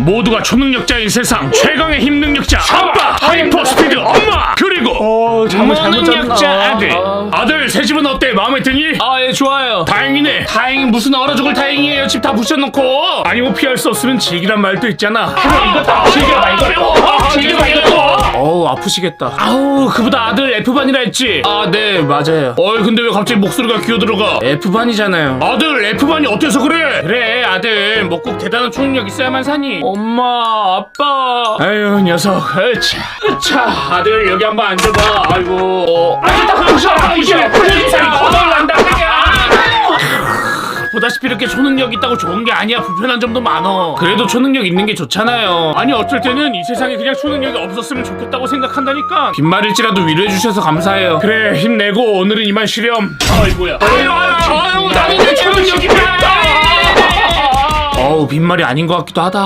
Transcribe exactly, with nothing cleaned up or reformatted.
모두가 초능력자인 세상 최강의 힘 능력자 아빠 하이퍼 스피드 엄마 그리고 어, 잘못 잘못 무능력자 잤나? 아들 아. 아들 새 집은 어때? 마음에 드니? 아, 예, 좋아요. 다행이네. 다행히 무슨 얼어 죽을 다행이에요. 집 다 부셔놓고. 아니 뭐 피할 수 없으면 즐기란 말도 있잖아. 그래 이거 다 즐겨봐 이거. 즐겨봐 이거. 어우 아프시겠다. 아우 그보다 아들 F반이라 했지. 아, 네, 맞아요. 어이 근데 왜 갑자기 목소리가 기어들어가? F반이잖아요. 아들 F반이 어때서 그래? 그래 아들 뭐 꼭 대단한 초능력 있어야만 사니. 엄마, 아빠. 아유 녀석. 으차 으차 아들 여기 한번 앉아봐. 아이고 어. 아니 딱 그러셔. 이게 풀리살이 거덜난다. 보다시피 이렇게 초능력 있다고 좋은 게 아니야. 불편한 점도 많어. 그래도 초능력 있는 게 좋잖아요. 아니 어쩔 때는 이 세상에 그냥 초능력이 없었으면 좋겠다고 생각한다니까. 빈말일지라도 위로해 주셔서 감사해요. 그래 힘내고 오늘은 이만 쉬렴. 아이고야. 아유 아유 아유 나는 내 초능력이 없다. 어우 빈말이 아닌 것 같기도 하다.